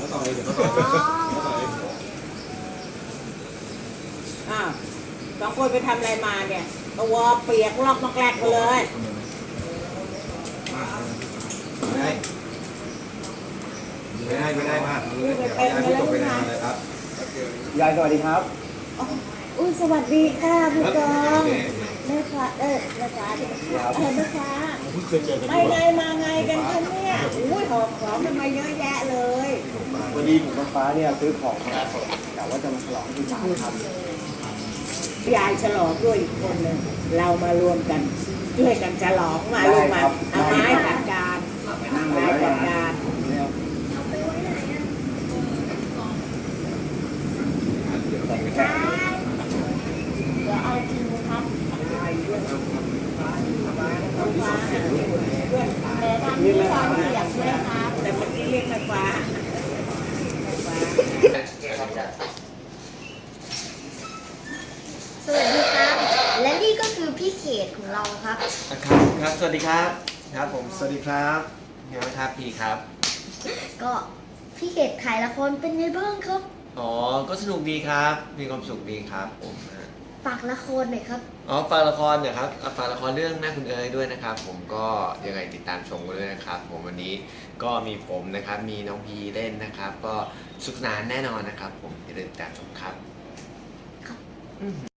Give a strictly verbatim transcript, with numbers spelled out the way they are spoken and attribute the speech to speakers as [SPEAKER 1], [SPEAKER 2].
[SPEAKER 1] ต่อเลยเดี๋ยวเขาต่อเลยเขาต่อเลย
[SPEAKER 2] อ้าวสองคนไปทำอะไรมาเนี่ยตัวเปียกลอกมากแกลกไปเลย
[SPEAKER 1] ไม่ได้ไม่ได้ไม่ได้มากเดี๋ยวยายพูดตกไปนานเลยครับ
[SPEAKER 3] ยายสวัสดีครับ
[SPEAKER 2] อุ้ยสวัสดีค่ะพี่กองแม่ค้าเออแม่ค้าเออแม่ค้าไปไงมาไงกันคะเนี่ยอุ้ยหอบของทำไมเยอะแยะเลย
[SPEAKER 3] วันดีผมกับฟ้าเนี่ยซื้อของมาแต่ว่าจะมาฉลองที่ศาลครับ
[SPEAKER 2] ยายฉลองด้วยอีกคนหนึ่งเรามารวมกันช่วยกันฉลองมาลูกมาเอาไม้จัดการไม้จัดการเดี๋ยวเอาจริงนะครับแต่ทำที่ซอยเปียกใช่ไหมครับแต่เมื่อกี้เรียกไฟฟ้า
[SPEAKER 4] สวัสดีครับ และนี่ก็คือพี่เขตของเราครับ
[SPEAKER 5] ครับครับสวัสดีครับครับผมสวัสดีครับเดี๋ยวนะครับพี่ครับ
[SPEAKER 4] ก็พี่เขตถ่ายละครเป็นไงบ้างครับ
[SPEAKER 5] อ๋อก็สนุกดีครับมีความสุขดีครับผมนะ
[SPEAKER 4] ฝากละครหน่อยครับ
[SPEAKER 5] อ๋อฝากละครเนี่ยครับฝากละครเรื่องแม่คุณเอ๋ยด้วยนะครับผมก็ยังไงติดตามชมกันด้วยนะครับผมวันนี้ก็มีผมนะครับมีน้องพีเล่นนะครับก็สุขสนานแน่นอนนะครับผมอย่าลืมติดตามชมครับ